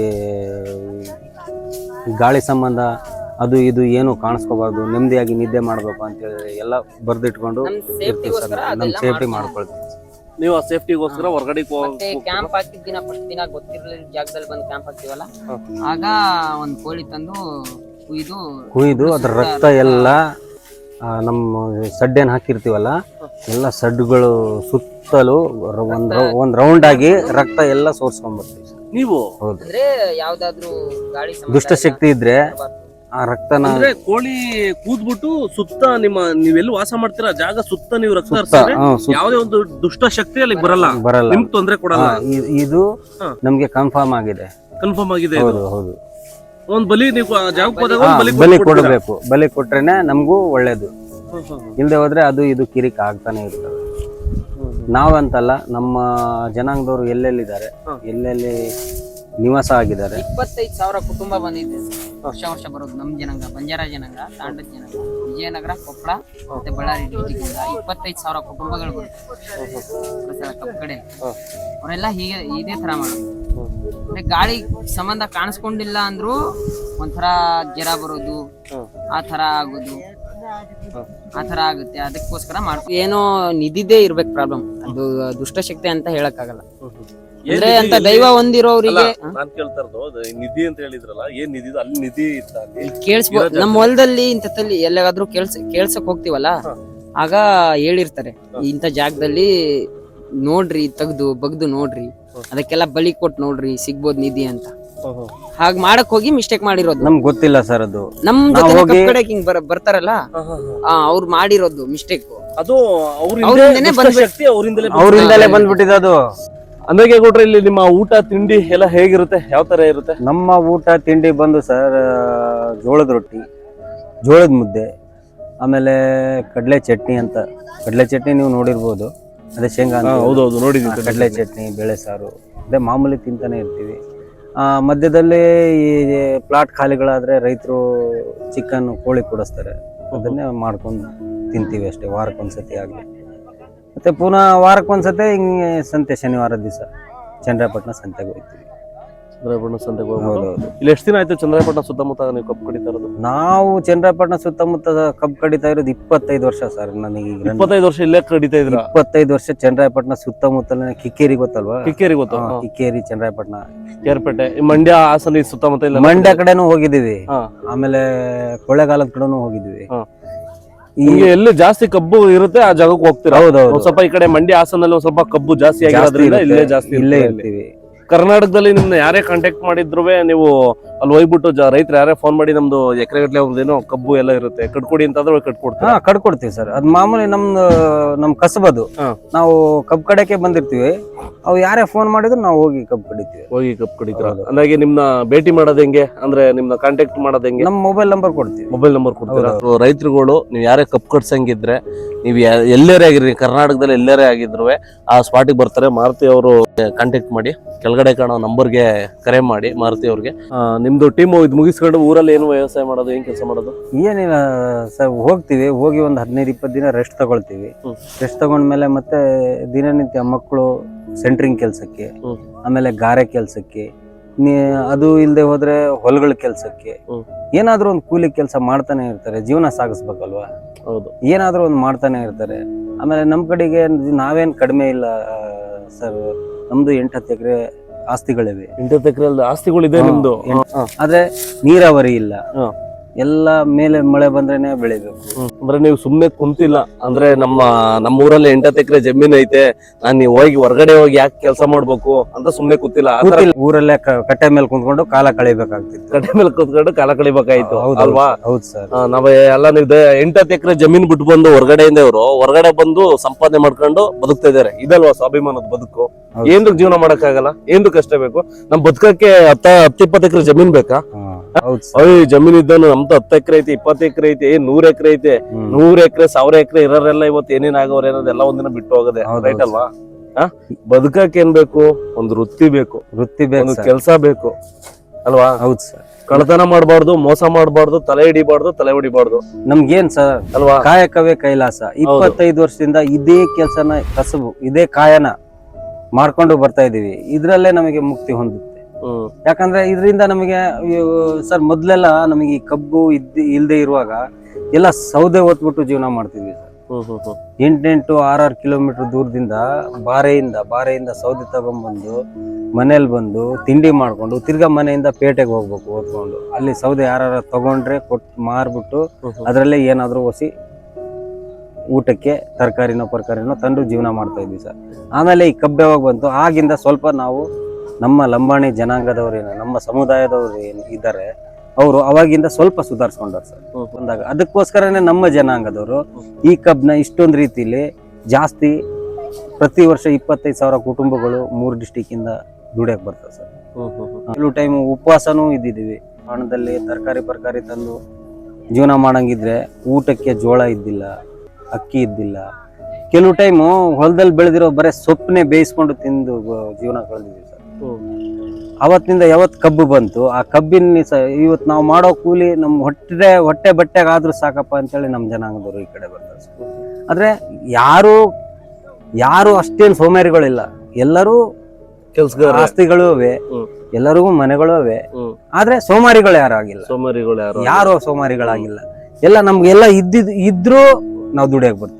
ಈ ಗಾಳಿ ಸಂಬಂಧ ಅದು ಇದು ಏನು ಕಾಣಿಸ್ಕೋಬಾರ್ದು, ನೆಮ್ಮದಿಯಾಗಿ ನಿದ್ದೆ ಮಾಡ್ಬೇಕು ಅಂತೇಳಿ ಎಲ್ಲ ಬರ್ದಿಟ್ಕೊಂಡು ಇರ್ತೀವಿ ಸರ್. ನಮ್ ಸೇಫ್ಟಿ ಮಾಡ್ಕೊಳ್ತೀವಿ.
ನೀವು ಆ ಸೇಫ್ಟಿಗೋಸ್ಕರ ಹೊರಗಡೆ
ಕ್ಯಾಂಪ್ ಹಾಕಿದ ದಿನ ಫಸ್ಟ್ ದಿನ ಗೊತ್ತಿರಲಿಲ್ಲ ಜಾಗದಲ್ಲಿ ಬಂದು ಕ್ಯಾಂಪ್ ಹಾಕ್ತಿವಲ್ಲ, ಆಗ ಒಂದ್ ಕೋಳಿ ತಂದು ಕುಯ್ದು
ಕುಯ್ದು ಅದ್ರ ರಕ್ತ ಎಲ್ಲ ನಮ್ಮ ಸಡ್ಡೇನ್ ಹಾಕಿರ್ತೀವಲ್ಲ ಎಲ್ಲ ಸಡ್ಡುಗಳು ಸುತ್ತಲೂ ಒಂದ್ ಒಂದ್ ರೌಂಡ್ ಆಗಿ ರಕ್ತ ಎಲ್ಲ ಸೋರ್ಸ್ಕೊಂಡ್ಬರ್ತೀವಿ ಸರ್.
ನೀವು
ಅಂದ್ರೆ ಯಾವ್ದಾದ್ರು ಗಾಳಿ
ದುಷ್ಟಶಕ್ತಿ ಇದ್ರೆ ಆ ರಕ್ತನ
ಅಂದ್ರೆ ಕೋಳಿ ಕೂದ್ಬಿಟ್ಟು ಸುತ್ತ ನಿಮ್ಮ ನೀವೆಲ್ಲಿ ವಾಸ ಮಾಡ್ತೀರಾ ಜಾಗ ಸುತ್ತ ನೀವು ರಕ್ತ ಹರಿಸಿದ್ರೆ ಯಾವುದೇ ಒಂದು ದುಷ್ಟ ಶಕ್ತಿ ಅಲ್ಲಿ ಬರಲ್ಲ
ಬರಲ್ಲ,
ನಿಮ್ಗೆ ತೊಂದ್ರೆ ಕೊಡಲ್ಲ.
ಇದು ನಮ್ಗೆ ಕನ್ಫರ್ಮ್ ಆಗಿದೆ.
ಕನ್ಫರ್ಮ್ ಆಗಿದೆ.
ಹೌದು ಹೌದು.
ಒಂದ್ ಬಲಿ ನೀವು ಜಾಗಕ್ಕೆ ಹೋದಾಗ
ಹಾ,
ಒಂದ್ ಬಲಿ
ಬಲಿ
ಕೊಟ್ಬಿಡ್ತೀರಾ?
ಕೊಡಬೇಕು. ಬಲಿ ಕೊಟ್ರೇನೆ ನಮಗೂ ಒಳ್ಳೇದು.
ಹ್ಮ್, ಹ್ಮ್,
ಇಲ್ಲದೆ ಹೋದ್ರೆ ಅದು ಇದು ಕಿರಿಕ್ ಆಗ್ತಾನೆ ಇರ್ತವೆ.
ಹ್ಮ್,
ನಾವಂತಲ್ಲ, ನಮ್ಮ ಜನಾಂಗದವರು ಎಲ್ಲೆಲ್ಲಿದ್ದಾರೆ,
ಹ್ಮ್.
ಎಲ್ಲೆಲ್ಲಿ ನಿವಾಸ ಆಗಿದ್ದಾರೆ.
ಇಪ್ಪತ್ತೈದು ಸಾವಿರ ಕುಟುಂಬ ಬಂದಿದೆ ವರ್ಷ ವರ್ಷ ಬರೋದು ನಮ್ಮ ಜನಾಂಗ, ಬಂಜಾರ ಜನಾಂಗ, ತಾಂಡದ ಜನಾಂಗ, ವಿಜಯನಗರ, ಕೊಪ್ಪಳ ಮತ್ತೆ ಬಳ್ಳಾರಿ ಡಿಸ್ಟಿಕ್ ಇಂದ ಇಪ್ಪತ್ತೈದು ಸಾವಿರ ಕುಟುಂಬಗಳು ಬರುತ್ತೆ ಕಬ್ಬು ಕಡೆ. ಅವರೆಲ್ಲ ಹೀಗೆ ಇದೇ ತರ ಮಾಡೋದು. ಅಂದ್ರೆ ಗಾಳಿ ಸಂಬಂಧ ಕಾಣಿಸ್ಕೊಂಡಿಲ್ಲ ಅಂದ್ರು ಒಂಥರ ಜ್ವರ ಬರೋದು, ಆ ತರ ಆಗೋದು, ಆ ತರ ಆಗುತ್ತೆ. ಅದಕ್ಕೋಸ್ಕರ ಮಾಡ್ತೀವಿ. ಏನೋ ನಿಧಿದೇ ಇರ್ಬೇಕು ಪ್ರಾಬ್ಲಮ್, ಅದು ದುಷ್ಟಶಕ್ತಿ ಅಂತ ಹೇಳಕ್ ಆಗಲ್ಲ. ಅಂದ್ರೆ ಅಂತ ದೈವ ಹೊಂದಿರೋರಿಗೆ
ನಾನ್ ಕೇಳ್ತಾ ಇರೋದು ಅದು ನಿಧಿ ಅಂತ ಹೇಳಿದ್ರಲ್ಲ, ಏನ್ ನಿಧಿ ಇದು? ಅಲ್ಲಿ ನಿಧಿ ಇತ್ತ ಅಲ್ಲಿ?
ಕೇಳಿಸ್ಬೋದು. ನಮ್ಮ ಹೊಲದಲ್ಲಿ ಇಂಥಲ್ಲಿ ಎಲ್ಲಾದ್ರೂ ಕೇಳ್ಸ ಕೇಳ್ಸಕ್ ಹೋಗ್ತಿವಲ್ಲ, ಆಗ ಹೇಳಿರ್ತಾರೆ ಇಂಥ ಜಾಗದಲ್ಲಿ ನೋಡ್ರಿ, ತೆಗ್ದು ಬಗ್ದು ನೋಡ್ರಿ, ಅದಕ್ಕೆಲ್ಲ ಬಲಿ ಕೊಟ್ಟು ನೋಡ್ರಿ, ಸಿಗ್ಬೋದು ನಿಧಿ ಅಂತ. ಹಾಗ್ ಮಾಡಕ್ ಹೋಗಿ ಮಿಸ್ಟೇಕ್ ಮಾಡಿರೋದು.
ನಮ್ಗೆ ಗೊತ್ತಿಲ್ಲ ಸರ್ ಅದು.
ನಮ್ ಜೊತೆ ಕಬ್ಬು ಕಡೆ ಹಿಂಗ್ ಬರ ಬರ್ತಾರಲ್ಲ, ಅವ್ರು ಮಾಡಿರೋದು ಮಿಸ್ಟೇಕ್.
ಅದು
ಅವ್ರಿಂದನೇ
ಶಕ್ತಿ ಅವರಿಂದಲೇ
ಅವರಿಂದಲೇ ಬಂದ್ಬಿಟ್ಟಿದೆ ಅದು.
ಅಂದಾಗೆ ಕೊಟ್ರೆ ಇಲ್ಲಿ ನಿಮ್ಮ ಊಟ ತಿಂಡಿ ಎಲ್ಲ ಹೇಗಿರುತ್ತೆ, ಯಾವ ತರ ಇರುತ್ತೆ?
ನಮ್ಮ ಊಟ ತಿಂಡಿ ಬಂದು ಸರ್, ಜೋಳದ ರೊಟ್ಟಿ, ಜೋಳದ ಮುದ್ದೆ, ಆಮೇಲೆ ಕಡಲೆ ಚಟ್ನಿ ಅಂತ. ಕಡಲೆ ಚಟ್ನಿ ನೀವು ನೋಡಿರ್ಬೋದು, ಅದೇ ಶೇಂಗಾ ಅಂತ.
ಹೌದೌದು, ನೋಡಿದ್ದೀನಿ.
ಕಡಲೆ ಚಟ್ನಿ, ಬೇಳೆ ಸಾರು, ಅದೇ ಮಾಮೂಲಿ ತಿಂತಾನೆ ಇರ್ತೀವಿ. ಆ ಮಧ್ಯದಲ್ಲಿ ಈ ಪ್ಲಾಟ್ ಖಾಲಿಗಳಾದ್ರೆ ರೈತರು ಚಿಕನ್, ಕೋಳಿ ಕೊಡಿಸ್ತಾರೆ, ಅದನ್ನೇ ಮಾಡ್ಕೊಂಡು ತಿಂತೀವಿ ಅಷ್ಟೇ, ವಾರಕ್ಕೊಂದ್ಸತಿ ಆಗಲಿ. ಮತ್ತೆ ಪುನಃ ವಾರಕ್ಕೊಂದ್ಸತಿ ಹಿಂಗೆ ಸಂತೆ, ಶನಿವಾರ ದಿವಸ ಚಂದ್ರಪಟ್ಟಣ ಸಂತೆಗೆ ಹೋಗ್ತೀವಿ.
ಚಂದ್ರಪಟ್ಟಣ ಸಂತೆಗೆ ಹೋಗ್ಬೋದು.
ಹೌದೌದು.
ಇಲ್ಲಿ ಎಷ್ಟು ದಿನ ಆಯ್ತು ಚಂದ್ರಪಟ್ಟಣ ಸುತ್ತಮುತ್ತ ನೀವು ಕಬ್ಬು ಕಡಿತಾ ಇರೋದು?
ನಾವು ಚಂದ್ರಪಟ್ಟಣ ಸುತ್ತಮುತ್ತ ಕಬ್ಬು ಕಡಿತಾ ಇರೋದು ಇಪ್ಪತ್ತೈದು ವರ್ಷ ಸರ್. ನನಗೆ ಈಗ
ಇಪ್ಪತ್ತೈದು ವರ್ಷ ಇಲ್ಲೇ ಕಡಿತಾ ಇದ್ರ?
ಇಪ್ಪತ್ತೈದು ವರ್ಷ ಚಂದ್ರಪಟ್ಟಣ ಸುತ್ತಮುತ್ತಲ. ಕಿಕ್ಕೇರಿ ಗೊತ್ತಲ್ವಾ?
ಕಿಕ್ಕೇರಿ ಗೊತ್ತು.
ಹಾ, ಕಿಕ್ಕೇರಿ, ಚಂದ್ರಪಟ್ಟಣ,
ಕೇರ್ಪೇಟೆ, ಮಂಡ್ಯ, ಹಾಸನ, ಈ ಸುತ್ತಮುತ್ತ ಇಲ್ಲ?
ಮಂಡ್ಯ ಕಡೆನೂ ಹೋಗಿದ್ದೀವಿ,
ಹಾ.
ಆಮೇಲೆ ಕೊಳ್ಳೇಗಾಲದ ಕಡೆನೂ ಹೋಗಿದ್ದೀವಿ.
ಹಾ. ನಿಮ್ಗೆ ಎಲ್ಲಿ ಜಾಸ್ತಿ ಕಬ್ಬು ಇರುತ್ತೆ ಆ ಜಾಗಕ್ಕೆ ಹೋಗ್ತೀರಾ?
ಹೌದೌದು.
ಒಂದ್ ಸ್ವಲ್ಪ ಈ ಕಡೆ ಮಂಡ್ಯ, ಹಾಸನಲ್ಲಿ ಒಂದ್ ಸ್ವಲ್ಪ ಕಬ್ಬು ಜಾಸ್ತಿ ಆಗಿರೋದ್ರಿಂದ ಇಲ್ಲೇ ಜಾಸ್ತಿ
ಇಲ್ಲೇ
ಇರುತ್ತೆ.
ಇರ್ತೀವಿ.
ಕರ್ನಾಟಕದಲ್ಲಿ ನಿಮ್ನ ಯಾರೇ ಕಾಂಟ್ಯಾಕ್ಟ್ ಮಾಡಿದ್ರು ನೀವು ಅಲ್ಲಿ ಹೋಗ್ಬಿಟ್ಟು ರೈತರು ಯಾರೇ ಫೋನ್ ಮಾಡಿ ನಮ್ದು ಎಕರೆ ಗಟ್ಲೆ ಒಂದೇನೋ ಕಬ್ಬು ಎಲ್ಲ ಇರುತ್ತೆ, ಕಟ್ಕೊಡಿ ಅಂತಂದ್ರೆ ಕಟ್ಕೊಡ್ತೀವಿ.
ಹಾ, ಕಡ್ಕೊಡ್ತೀವಿ ಸರ್. ಅದ್ ಮಾಮೂಲಿ ನಮ್ದು ನಮ್ ಕಸಬದು.
ಹಾ.
ನಾವು ಕಬ್ಬು ಕಡೆಗೆ ಬಂದಿರ್ತೀವಿ, ಅವು ಯಾರೇ ಫೋನ್ ಮಾಡಿದ್ರು ನಾವು ಹೋಗಿ ಕಬ್ಬು ಕಡಿತೀವಿ.
ಹೋಗಿ ಕಬ್ಬು ಕಡಿತೀರ? ಅಂದಾಗೆ ನಿಮ್ನ ಭೇಟಿ ಮಾಡೋದು ಹೆಂಗೆ, ಅಂದ್ರೆ ನಿಮ್ನ ಕಾಂಟ್ಯಾಕ್ಟ್ ಮಾಡೋದು ಹೆಂಗೆ?
ನಮ್ ಮೊಬೈಲ್ ನಂಬರ್ ಕೊಡ್ತೀವಿ.
ಮೊಬೈಲ್ ನಂಬರ್ ಕೊಡ್ತೀರಾ? ರೈತರುಗಳು ನೀವು ಯಾರೇ ಕಬ್ಬು ಕಟ್ಸಂಗಿದ್ರೆ, ನೀವು ಎಲ್ಲರೇ ಆಗಿರಿ, ಕರ್ನಾಟಕದಲ್ಲಿ ಎಲ್ಲರೇ ಆಗಿದ್ರು ಆ ಸ್ಪಾಟಿಗೆ ಬರ್ತಾರೆ. ಮಾರುತಿ ಅವರು ಕಾಂಟ್ಯಾಕ್ಟ್ ಮಾಡಿ, ಕೆಳಗಡೆ ಕಾಣೋ ನಂಬರ್ಗೆ ಕರೆ ಮಾಡಿ ಮಾರುತಿ ಅವ್ರಿಗೆ. ನಿಮ್ದು ಟೀಮ್ ಇದು ಮುಗಿಸ್ಕೊಂಡು ಊರಲ್ಲಿ ಏನು ವ್ಯವಸಾಯ ಮಾಡೋದು, ಏನ್ ಕೆಲಸ ಮಾಡೋದು?
ಏನಿಲ್ಲ ಸರ್, ಹೋಗ್ತೀವಿ, ಹೋಗಿ ಒಂದ್ ಹದಿನೈದು ಇಪ್ಪತ್ತು ದಿನ ರೆಸ್ಟ್ ತಗೊಳ್ತೀವಿ.
ಹ್ಮ್.
ರೆಸ್ಟ್ ತಗೊಂಡ್ಮೇಲೆ ಮತ್ತೆ ದಿನನಿತ್ಯ ಮಕ್ಕಳು ಸೆಂಟ್ರಿಂಗ್ ಕೆಲ್ಸಕ್ಕೆ,
ಹ್ಮ್.
ಆಮೇಲೆ ಗಾರೆ ಕೆಲ್ಸಕ್ಕೆ, ನೀ ಅದು ಇಲ್ಲದೆ ಹೋದ್ರೆ ಹೊಲಗಳ ಕೆಲ್ಸಕ್ಕೆ,
ಹ್ಮ್.
ಏನಾದ್ರೂ ಒಂದು ಕೂಲಿ ಕೆಲಸ ಮಾಡ್ತಾನೆ ಇರ್ತಾರೆ. ಜೀವನ ಸಾಗಿಸ್ಬೇಕಲ್ವಾ?
ಹೌದು.
ಏನಾದ್ರೂ ಒಂದು ಮಾಡ್ತಾನೆ ಇರ್ತಾರೆ. ಆಮೇಲೆ ನಮ್ ಕಡೆಗೆ ನಾವೇನ್ ಕಡಿಮೆ ಇಲ್ಲ ಸರ್. ನಮ್ದು ಎಂಟು ಹತ್ತು ಎಕರೆ ಆಸ್ತಿಗಳಿವೆ.
ಎಂಟತ್ತು ಎಕರೆ ಆಸ್ತಿಗಳಿದೆ ನಿಮ್ದು?
ಆದ್ರೆ ನೀರಾವರಿ ಇಲ್ಲ.
ಹ.
ಎಲ್ಲ ಮೇಲೆ ಮಳೆ ಬಂದ್ರೇನೆ ಬೆಳಿಬೇಕು.
ಅಂದ್ರೆ ನೀವು ಸುಮ್ನೆ ಕುಂತಿಲ್ಲ, ಅಂದ್ರೆ ನಮ್ಮ ನಮ್ಮ ಊರಲ್ಲಿ ಎಂಟತ್ತು ಎಕರೆ ಜಮೀನ್ ಐತೆ, ನಾನ್ ನೀವು ಹೋಗಿ ಹೊರಗಡೆ ಹೋಗಿ ಯಾಕೆ ಕೆಲಸ ಮಾಡ್ಬೇಕು ಅಂತ ಸುಮ್ನೆ ಕೂತಿಲ್ಲ.
ಊರಲ್ಲೇ ಕಟ್ಟೆ ಮೇಲೆ ಕುಂತ್ಕೊಂಡು ಕಾಲ ಕಳಿಬೇಕಾಗ್ತಿತ್ತು.
ಕಟ್ಟೆ ಮೇಲೆ ಕುತ್ಕೊಂಡು ಕಾಲ ಕಳಿಬೇಕಾಯ್ತು ಅಲ್ವಾ?
ಹೌದು ಸರ್.
ನಾವ್ ಎಲ್ಲ ನೀವು ಎಂಟತ್ತು ಎಕರೆ ಜಮೀನ್ ಬಿಟ್ಟು ಬಂದು ಹೊರಗಡೆಯಿಂದ ಇವರು ಹೊರಗಡೆ ಬಂದು ಸಂಪಾದನೆ ಮಾಡ್ಕೊಂಡು ಬದುಕ್ತಾ ಇದಾರೆ. ಇದಲ್ವಾ ಸ್ವಾಭಿಮಾನದ ಬದುಕು? ಏನ್ದಕ್ ಜೀವನ ಮಾಡಕ್ ಆಗಲ್ಲ? ಏನ್ದು ಕಷ್ಟ ಬೇಕು? ನಮ್ ಬದುಕಕ್ಕೆ ಹತ್ತ ಹತ್ತಿಪ್ಪತ್ತು ಎಕರೆ ಜಮೀನ್ ಬೇಕಾ? ಅಯ್ಯ, ಜಮೀನ್ ಇದ್ದನು ನಮ್ದು ಹತ್ತು ಎಕರೆ ಐತಿ, ಇಪ್ಪತ್ತು ಎಕರೆ ಐತಿ, ನೂರ್ ಎಕರೆ ಐತೆ, ನೂರ್ ಎಕರೆ ಸಾವಿರ ಎಕರೆ ಇರೋರೆಲ್ಲ ಇವತ್ತು ಏನೇನ್ ಆಗೋರ್ ಏನೋದೆಲ್ಲ ಒಂದಿನ ಬಿಟ್ಟು ಹೋಗದೆ. ರೈಟ್ ಅಲ್ವಾ? ಬದುಕಕ್ಕೆ ಏನ್ ಬೇಕು? ಒಂದು ವೃತ್ತಿ ಬೇಕು,
ವೃತ್ತಿ ಬೇಕು,
ಕೆಲ್ಸ ಬೇಕು ಅಲ್ವಾ?
ಹೌದು ಸರ್.
ಕಳ್ಳತನ ಮಾಡ್ಬಾರ್ದು, ಮೋಸ ಮಾಡ್ಬಾರ್ದು, ತಲೆ ಹಿಡಿಬಾರ್ದು, ತಲೆ ಹೊಡಿಬಾರ್ದು.
ನಮ್ಗೇನ್ ಸರ್
ಅಲ್ವಾ?
ಕಾಯಕವೇ ಕೈಲಾಸ. ಇಪ್ಪತ್ತೈದು ವರ್ಷದಿಂದ ಇದೇ ಕೆಲ್ಸನ, ಕಸಬು, ಇದೇ ಕಾಯನ ಮಾಡ್ಕೊಂಡು ಬರ್ತಾ ಇದೀವಿ. ಇದ್ರಲ್ಲೇ ನಮಗೆ ಮುಕ್ತಿ ಹೊಂದುತ್ತೆ. ಯಾಕಂದ್ರೆ ಇದರಿಂದ ನಮಗೆ ಸರ್, ಮೊದ್ಲೆಲ್ಲ ನಮಗೆ ಈ ಕಬ್ಬು ಇದ್ದ ಇಲ್ದೆ ಇರುವಾಗ ಎಲ್ಲ ಸೌದೆ ಹೊತ್ಬಿಟ್ಟು ಜೀವನ ಮಾಡ್ತಿದ್ವಿ ಸರ್. ಎಂಟೆಂಟು ಆರಾರು ಕಿಲೋಮೀಟರ್ ದೂರದಿಂದ ಬಾರೆಯಿಂದ ಬಾರೆಯಿಂದ ಸೌದೆ ತಗೊಂಡ್ಬಂದು ಮನೇಲಿ ಬಂದು ತಿಂಡಿ ಮಾಡ್ಕೊಂಡು ತಿರ್ಗಾ ಮನೆಯಿಂದ ಪೇಟೆಗೆ ಹೋಗ್ಬೇಕು ಓದ್ಕೊಂಡು. ಅಲ್ಲಿ ಸೌದೆ ಯಾರು ತಗೊಂಡ್ರೆ ಕೊಟ್ಟು ಮಾರ್ಬಿಟ್ಟು ಅದ್ರಲ್ಲೇ ಏನಾದ್ರು ಹೊಸಿ ಊಟಕ್ಕೆ ತರಕಾರಿನೋ ಪರ್ಕಾರಿನೋ ತಂದು ಜೀವನ ಮಾಡ್ತಾ ಇದ್ವಿ ಸರ್. ಆಮೇಲೆ ಈ ಕಬ್ಬು ಯಾವಾಗ ಬಂತು, ಆಗಿಂದ ಸ್ವಲ್ಪ ನಾವು ನಮ್ಮ ಲಂಬಾಣಿ ಜನಾಂಗದವ್ರು ಏನು, ನಮ್ಮ ಸಮುದಾಯದವ್ರು ಏನು ಇದ್ದಾರೆ, ಅವರು ಅವಾಗಿಂದ ಸ್ವಲ್ಪ ಸುಧಾರಿಸ್ಕೊಂಡಾರ ಸರ್ ಬಂದಾಗ. ಅದಕ್ಕೋಸ್ಕರನೇ ನಮ್ಮ ಜನಾಂಗದವರು ಈ ಕಬ್ನ ಇಷ್ಟೊಂದು ರೀತಿಲಿ ಜಾಸ್ತಿ ಪ್ರತಿ ವರ್ಷ ಇಪ್ಪತ್ತೈದು ಸಾವಿರ ಕುಟುಂಬಗಳು ಮೂರು ಡಿಸ್ಟಿಕ್ ಇಂದ ದುಡಿಯಕ್ ಬರ್ತದೆ ಸರ್. ಕೆಲವು ಟೈಮ್ ಉಪವಾಸನೂ ಇದ್ದಿದ್ದೀವಿ. ಹಣದಲ್ಲಿ ತರಕಾರಿ ಪರ್ಕಾರಿ ತಂದು ಜೀವನ ಮಾಡಂಗಿದ್ರೆ ಊಟಕ್ಕೆ ಜೋಳ ಇದ್ದಿಲ್ಲ, ಅಕ್ಕಿ ಇದ್ದಿಲ್ಲ. ಕೆಲವು ಟೈಮು ಹೊಲದಲ್ಲಿ ಬೆಳೆದಿರೋ ಬರೀ ಸೊಪ್ಪನ್ನೇ ಬೇಯಿಸ್ಕೊಂಡು ತಿಂದು ಜೀವನ ಕಳೆದಿದ್ದೀವಿ ಸರ್. ಅವತ್ತಿನಿಂದ ಯಾವತ್ತು ಕಬ್ಬು ಬಂತು, ಆ ಕಬ್ಬಿನ ಸ ಇವತ್ತು ನಾವು ಮಾಡೋ ಕೂಲಿ ನಮ್ಮ ಹೊಟ್ಟೆ ಹೊಟ್ಟೆ ಬಟ್ಟೆಗಾದ್ರೂ ಸಾಕಪ್ಪ ಅಂತೇಳಿ ನಮ್ಮ ಜನಾಂಗದವರು ಈ ಕಡೆ ಬರ್ತಾರೆ ಸರ್. ಆದ್ರೆ ಯಾರು ಯಾರು ಅಷ್ಟೇನು ಸೋಮಾರಿಗಳಿಲ್ಲ, ಎಲ್ಲರೂ
ಕೆಲ್ಸಗಾರ
ಆಸ್ತಿಗಳು ಅವೆ, ಎಲ್ಲರಿಗೂ ಮನೆಗಳು ಅವೆ. ಆದ್ರೆ ಸೋಮಾರಿಗಳು ಯಾರು ಆಗಿಲ್ಲ,
ಸೋಮಾರಿಗಳು ಯಾರು
ಯಾರು ಸೋಮಾರಿಗಳಾಗಿಲ್ಲ. ಎಲ್ಲ ನಮ್ಗೆಲ್ಲ ಇದ್ದಿದ್ ಇದ್ರೂ ನಾವು ದುಡಿಯಕ್ ಬರ್ತೀವಿ.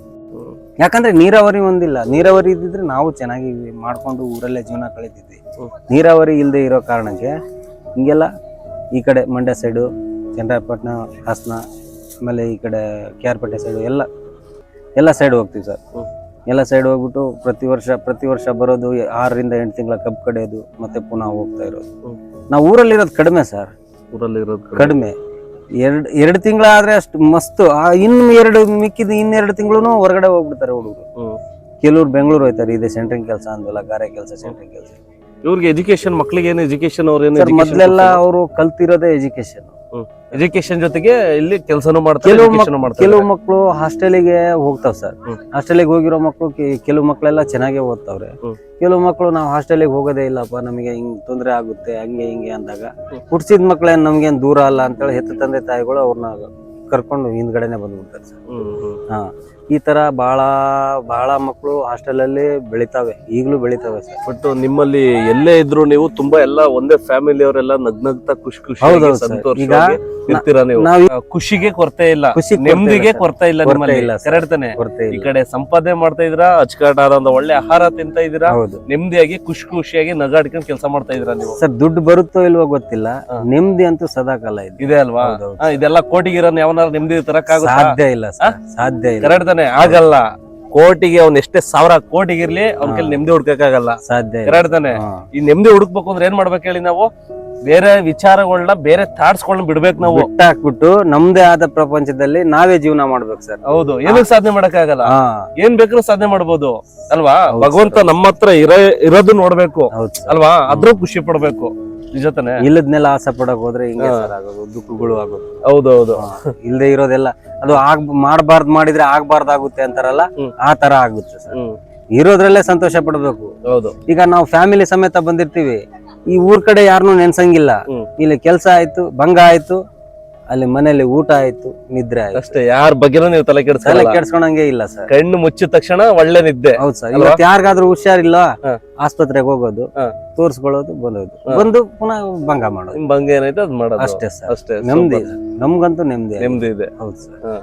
ಯಾಕಂದ್ರೆ ನೀರಾವರಿ ಒಂದಿಲ್ಲ, ನೀರಾವರಿ ಇದ್ದಿದ್ರೆ ನಾವು ಚೆನ್ನಾಗಿ ಮಾಡ್ಕೊಂಡು ಊರಲ್ಲೇ ಜೀವನ ಕಳೀತಿದ್ವಿ. ನೀರಾವರಿ ಇಲ್ಲದೆ ಇರೋ ಕಾರಣಕ್ಕೆ ಹಿಂಗೆಲ್ಲ ಈ ಕಡೆ ಮಂಡ್ಯ ಸೈಡು, ಚನ್ನರಾಯಪಟ್ಟಣ, ಹಾಸನ, ಆಮೇಲೆ ಈ ಕಡೆ ಕೆ ಆರ್ ಪೇಟೆ ಸೈಡು ಎಲ್ಲ ಎಲ್ಲ ಸೈಡ್ ಹೋಗ್ತೀವಿ ಸರ್. ಎಲ್ಲ ಸೈಡ್ ಹೋಗ್ಬಿಟ್ಟು ಪ್ರತಿ ವರ್ಷ ಪ್ರತಿ ವರ್ಷ ಬರೋದು, ಆರರಿಂದ ಎಂಟು ತಿಂಗಳ ಕಬ್ಬು ಕಡಿಯೋದು, ಮತ್ತೆ ಪುನಃ ಹೋಗ್ತಾ ಇರೋದು. ನಾವು ಊರಲ್ಲಿರೋದು ಕಡಿಮೆ ಸರ್,
ಊರಲ್ಲಿ ಇರೋದು
ಕಡಿಮೆ. ಎರಡ್ ಎರಡು ತಿಂಗಳ ಆದ್ರೆ ಅಷ್ಟು ಮಸ್ತ್. ಆ ಇನ್ನು ಎರಡು ಮಿಕ್ಕಿದ ಇನ್ನೆರಡು ತಿಂಗಳು ಹೊರಗಡೆ ಹೋಗ್ಬಿಡ್ತಾರೆ ಹುಡುಗರು. ಕೆಲವ್ರು ಬೆಂಗಳೂರು ಹೋಯ್ತಾರೆ, ಇದೆ ಸೆಂಟ್ರಿಂಗ್ ಕೆಲಸ ಅಂದ್ವಲ್ಲ, ಗಾರೆ ಕೆಲಸ, ಸೆಂಟ್ರಿಂಗ್ ಕೆಲಸ.
ಇವ್ರಿಗೆ ಎಜುಕೇಶನ್, ಮಕ್ಳಿಗೆ ಏನು ಎಜುಕೇಶನ್, ಅವ್ರೇನು
ಮೊದ್ಲೆಲ್ಲ ಅವರು ಕಲ್ತಿರೋದೇ ಎಜುಕೇಶನ್.
ಎಜುಕೇಶನ್ ಜೊತೆಗೆ ಇಲ್ಲಿ ಕೆಲಸನೂ ಮಾಡ್ತಾರೆ.
ಕೆಲವು ಮಕ್ಕಳು ಹಾಸ್ಟೆಲಿಗೆ ಹೋಗ್ತಾವ್ ಸರ್. ಹಾಸ್ಟೆಲಿಗೆ ಹೋಗಿರೋ ಮಕ್ಕಳು ಕೆಲವು ಮಕ್ಕಳೆಲ್ಲ ಚೆನ್ನಾಗೇ ಓದ್ತಾವ್ರೆ. ಕೆಲವು ಮಕ್ಕಳು ನಾವು ಹಾಸ್ಟೆಲಿಗೆ ಹೋಗೋದೇ ಇಲ್ಲಪ್ಪ, ನಮಗೆ ಹಿಂಗ್ ತೊಂದರೆ ಆಗುತ್ತೆ ಹಂಗೆ ಹಿಂಗೆ ಅಂದಾಗ ಹುಡ್ಸಿದ ಮಕ್ಳೇನ್ ನಮ್ಗೇನ್ ದೂರ ಅಲ್ಲ ಅಂತೇಳಿ ಹೆತ್ತ ತಂದೆ ತಾಯಿಗಳು ಅವ್ರನ್ನ ಕರ್ಕೊಂಡು ಹಿಂದ್ಗಡೆನೆ ಬಂದ್ಬಿಡ್ತಾರೆ ಸರ್. ಹಾ, ಈ ತರ ಬಹಳ ಬಹಳ ಮಕ್ಕಳು ಹಾಸ್ಟೆಲ್ ಅಲ್ಲಿ ಬೆಳಿತಾವೆ, ಈಗಲೂ ಬೆಳಿತಾವೆ ಸರ್.
ಬಟ್ ನಿಮ್ಮಲ್ಲಿ ಎಲ್ಲೇ ಇದ್ರು ನೀವು ತುಂಬಾ ಎಲ್ಲ ಒಂದೇ ಫ್ಯಾಮಿಲಿ ಅವರೆಲ್ಲ ನಗ್ನಗ್ತಾ ಖುಷಿ ಖುಷಿ ಸಂತೋಷವಾಗಿ ಇರ್ತೀರಾ ನೀವು. ಖುಷಿಗೆ ಕೊರತೆ ಇಲ್ಲ, ನೆಮ್ಮದಿಗೆ ಕೊರತೆ ಇಲ್ಲ ನಿಮ್ಮಲ್ಲಿ. ಕರೆಕ್ಟ್ ತಾನೆ? ಈ ಕಡೆ ಸಂಪಾದನೆ ಮಾಡ್ತಾ ಇದ್ರಾ, ಅಚ್ಚುಕಟ್ಟಾದ ಒಂದು ಒಳ್ಳೆ ಆಹಾರ ತಿಂತ ಇದೀರಾ, ನೆಮ್ಮದಿಯಾಗಿ ಖುಷಿ ಖುಷಿಯಾಗಿ ನಗಾಡ್ಕೊಂಡು ಕೆಲಸ ಮಾಡ್ತಾ ಇದ್ರಾ ನೀವು.
ಸರ್ ದುಡ್ಡು ಬರುತ್ತೋ ಇಲ್ವೋ ಗೊತ್ತಿಲ್ಲ, ನೆಮ್ಮದಿ ಅಂತೂ ಸದಾ ಕಾಲ
ಇದೆ ಅಲ್ವಾ? ಇದೆಲ್ಲ ಕೋಟಿಗಿರೋ ಯಾವನಾರ ನೆಮ್ಮದಿ ತರಕ್ಕಾಗುತ್ತೆ?
ಸಾಧ್ಯ ಇಲ್ಲ ಸರ್, ಸಾಧ್ಯ ಇಲ್ಲ.
ಕರೆಕ್ಟ್ ತಾನೆ? ಆಗಲ್ಲ. ಕೋಟಿಗೆ ಅವ್ನ ಎಷ್ಟೇ ಸಾವಿರ ಕೋಟಿಗಿರ್ಲಿ ಅವ್ನ ಕೈಲಿ ನೆಮ್ಮದಿ ಹುಡ್ಕಕ್ಕಾಗಲ್ಲ.
ಸಾಧ್ಯ
ಕರೆಕ್ಟ್ ತಾನೆ? ಈ ನೆಮ್ಮದಿ ಹುಡುಕ್ಬೇಕು ಅಂದ್ರೆ ಏನ್ ಮಾಡ್ಬೇಕು ಹೇಳಿ? ನಾವು ಬೇರೆ ವಿಚಾರಗಳನ್ನ, ಬೇರೆ ಥಾಟ್ಸ್ಗಳನ್ನ ಬಿಡ್ಬೇಕು. ನಾವು
ಬಿಟ್ಟಾಕ್ಬಿಟ್ಟು ನಮ್ದೇ ಆದ ಪ್ರಪಂಚದಲ್ಲಿ ನಾವೇ ಜೀವನ ಮಾಡ್ಬೇಕು ಸರ್.
ಹೌದು, ಏನಕ್ಕೆ ಸಾಧನೆ ಮಾಡಕ್ ಆಗಲ್ಲ? ಏನ್ ಬೇಕಾದ್ರೂ ಸಾಧನೆ ಮಾಡ್ಬೋದು ಅಲ್ವಾ? ಭಗವಂತ ನಮ್ಮ ಹತ್ರ ಇರೋ ಇರೋದು ನೋಡ್ಬೇಕು ಅಲ್ವಾ? ಅದ್ರೂ ಖುಷಿ ಪಡ್ಬೇಕು. ನಿಜ ತಾನೆ?
ಇಲ್ಲದ್ನೆಲ್ಲ ಆಸೆ ಪಡಕ್ ಹೋದ್ರೆ ಹಿಂಗೆ ಆಗೋದು, ದುಃಖಗಳು ಆಗೋದು.
ಹೌದೌದು.
ಇಲ್ದೇ ಇರೋದೆಲ್ಲ ಅದು ಆಗ್ ಮಾಡಬಾರ್ದು, ಮಾಡಿದ್ರೆ ಆಗ್ಬಾರ್ದಾಗುತ್ತೆ ಅಂತಾರಲ್ಲ, ಆ ತರ ಆಗುತ್ತೆ ಸರ್. ಇರೋದ್ರಲ್ಲೇ ಸಂತೋಷ ಪಡ್ಬೇಕು.
ಹೌದು.
ಈಗ ನಾವು ಫ್ಯಾಮಿಲಿ ಸಮೇತ ಬಂದಿರ್ತೀವಿ, ಈ ಊರ್ ಕಡೆ ಯಾರನ್ನೂ ನೆನ್ಸಂಗಿಲ್ಲ. ಇಲ್ಲಿ ಕೆಲ್ಸ ಆಯ್ತು, ಭಂಗ ಆಯ್ತು, ಅಲ್ಲಿ ಮನೇಲಿ ಊಟ ಆಯ್ತು, ನಿದ್ರೆ ಆಯ್ತು
ಅಷ್ಟೇ. ಯಾರ ಬಗ್ಗೆನೂ ನೀವು ತಲೆ ಕೆಡ್ಸ
ತಲೆ ಕೆಡ್ಸ್ಕೊಳಂಗೆ ಇಲ್ಲ ಸರ್.
ಕಣ್ಣು ಮುಚ್ಚಿದ ತಕ್ಷಣ ಒಳ್ಳೆ ನಿದ್ದೆ.
ಹೌದು ಸರ್. ಇವತ್ತು ಯಾರಿಗಾದ್ರೂ ಹುಷಾರಿಲ್ಲ, ಆಸ್ಪತ್ರೆಗೆ ಹೋಗೋದು, ತೋರ್ಸ್ಕೊಳ್ಳೋದು, ಬಂದೋದು, ಬಂದು ಪುನಃ ಭಂಗ ಮಾಡೋದು.
ನಿಮ್ ಭಂಗ ಏನೈತೆ ಅದ್ ಮಾಡೋದು
ಅಷ್ಟೇ ಸರ್.
ಅಷ್ಟೇ.
ನೆಮ್ಮದಿ, ನಮ್ಗಂತೂ ನೆಮ್ಮದಿ
ನೆಮ್ಮದಿ ಇದೆ.
ಹೌದು ಸರ್.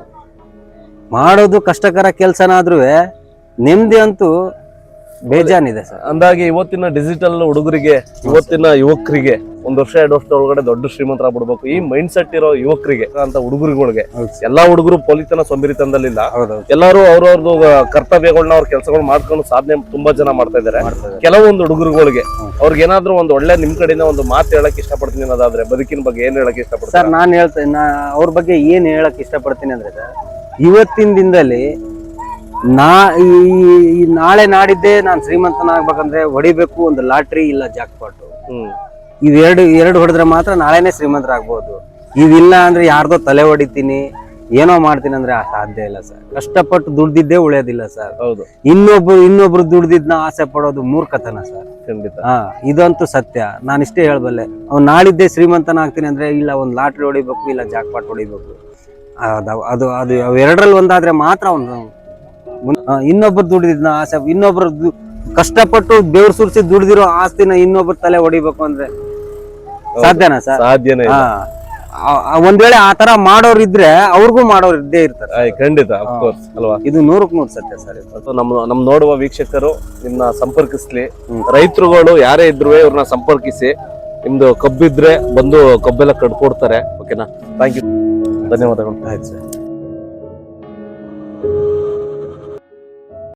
ಮಾಡೋದು ಕಷ್ಟಕರ ಕೆಲ್ಸನಾದ್ರೂ ನೆಮ್ಮದಿ ಅಂತೂ ಬೇಜಾನಿದೆ ಸರ್.
ಅಂದಾಗೆ ಇವತ್ತಿನ ಡಿಜಿಟಲ್ ಹುಡುಗರಿಗೆ, ಇವತ್ತಿನ ಯುವಕರಿಗೆ ಒಂದ್ ವರ್ಷ ಎರಡು ವರ್ಷದ ಒಳಗಡೆ ದೊಡ್ಡ ಶ್ರೀಮಂತರಾಗ್ಬಿಡ್ಬೇಕು, ಈ ಮೈಂಡ್ ಸೆಟ್ ಇರೋ ಯುವಕರಿಗೆ ಅಂತ ಹುಡುಗರುಗಳಿಗೆ, ಎಲ್ಲಾ ಹುಡುಗರು ಪೊಲೀತನ ಸೊಂಬಿರಿತನದಲ್ಲಿಲ್ಲ. ಎಲ್ಲಾರು ಅವ್ರವ್ರದ್ದು ಕರ್ತವ್ಯಗಳನ್ನ, ಅವ್ರ ಕೆಲಸಗಳು ಮಾಡ್ಕೊಂಡು ಸಾಧನೆ ತುಂಬಾ ಜನ ಮಾಡ್ತಾ ಇದಾರೆ. ಕೆಲವೊಂದು ಹುಡುಗರುಗಳಿಗೆ ಅವ್ರಿಗೆ ಏನಾದ್ರು ಒಂದು ಒಳ್ಳೆ ನಿಮ್ ಕಡೆಯಿಂದ ಒಂದು ಮಾತು ಹೇಳಕ್ ಇಷ್ಟಪಡ್ತೀನಿ ಅನ್ನೋದಾದ್ರೆ ಬದುಕಿನ ಬಗ್ಗೆ ಏನ್ ಹೇಳಕ್ ಇಷ್ಟಪಡ್ತೀನಿ
ಸರ್? ನಾನ್ ಹೇಳ್ತೇನೆ, ನಾ ಅವ್ರ ಬಗ್ಗೆ ಏನ್ ಹೇಳಕ್ ಇಷ್ಟಪಡ್ತೀನಿ ಅಂದ್ರೆ ಸರ್, ಇವತ್ತಿನ ದಿನದಲ್ಲಿ ನಾ ಈ ನಾಳೆ ನಾಡಿದ್ದೆ ನಾನ್ ಶ್ರೀಮಂತನಾಗ್ಬೇಕಂದ್ರೆ ಹೊಡಿಬೇಕು ಒಂದು ಲಾಟ್ರಿ ಇಲ್ಲ ಜಾಕ್ಪಾಟು. ಇವೆರಡು ಎರಡು ಹೊಡೆದ್ರೆ ಮಾತ್ರ ನಾಳೆನೆ ಶ್ರೀಮಂತರಾಗ್ಬೋದು. ಇವಿಲ್ಲ ಅಂದ್ರೆ ಯಾರ್ದೋ ತಲೆ ಹೊಡಿತೀನಿ, ಏನೋ ಮಾಡ್ತೀನಿ ಅಂದ್ರೆ ಸಾಧ್ಯ ಇಲ್ಲ ಸರ್. ಕಷ್ಟಪಟ್ಟು ದುಡ್ದಿದ್ದೇ ಉಳಿಯೋದಿಲ್ಲ ಸರ್.
ಹೌದು.
ಇನ್ನೊಬ್ರು ಇನ್ನೊಬ್ರು ದುಡ್ದಿದ್ನ ಆಸೆ ಪಡೋದು ಮೂರ್ಖತನ ಸರ್.
ಖಂಡಿತ.
ಹಾ, ಇದಂತೂ ಸತ್ಯ. ನಾನು ಇಷ್ಟೇ ಹೇಳ್ಬಲ್ಲೆ, ಅವ್ನು ನಾಳಿದ್ದೇ ಶ್ರೀಮಂತನ ಆಗ್ತೀನಿ ಅಂದ್ರೆ ಇಲ್ಲ ಒಂದ್ ಲಾಟ್ರಿ ಹೊಡಿಬೇಕು, ಇಲ್ಲ ಜಾಕ್ಪಾಟ್ ಹೊಡಿಬೇಕು. ಅದು ಅದು ಅವೆರಡರಲ್ಲಿ ಒಂದಾದ್ರೆ ಮಾತ್ರ ಅವನು ಇನ್ನೊಬ್ರು ದುಡಿದಿದ್ನ ಆಸೆ, ಇನ್ನೊಬ್ರು ಕಷ್ಟಪಟ್ಟು ಬೆವ್ರು ಸುರಿಸಿ ದುಡ್ದಿರೋ ಆಸ್ತಿನ ಇನ್ನೊಬ್ರು ತಲೆ ಹೊಡಿಬೇಕು ಅಂದ್ರೆ ಸಾಧ್ಯನಾ ಸರ್?
ಸಾಧ್ಯನೇ.
ಒಂದ್ ವೇಳೆ ಆ ತರ ಮಾಡೋರ್ ಇದ್ರೆ ಅವ್ರಿಗೂ ಮಾಡೋರ್ ಇದ್ದೇ ಇರ್ತಾರೆ.
ಖಂಡಿತ, ಅಫ್ಕೋರ್ಸ್ ಅಲ್ವಾ?
ಇದು ನೂರಕ್ ನೂರ್ ಸತ್ಯ ಸರ್.
ನಮ್ ನಮ್ ನೋಡುವ ವೀಕ್ಷಕರು ನಿಮ್ನ ಸಂಪರ್ಕಿಸ್ಲಿ, ರೈತರುಗಳು ಯಾರೇ ಇದ್ರು ಇವ್ರನ್ನ ಸಂಪರ್ಕಿಸಿ. ನಿಮ್ದು ಕಬ್ಬಿದ್ರೆ ಬಂದು ಕಬ್ಬೆಲ್ಲ ಕಡ್ಕೊಡ್ತಾರೆ. ಓಕೆನಾ? ಥ್ಯಾಂಕ್ ಯು, ಧನ್ಯವಾದಗಳು.
ಆಯ್ತು ಸರ್.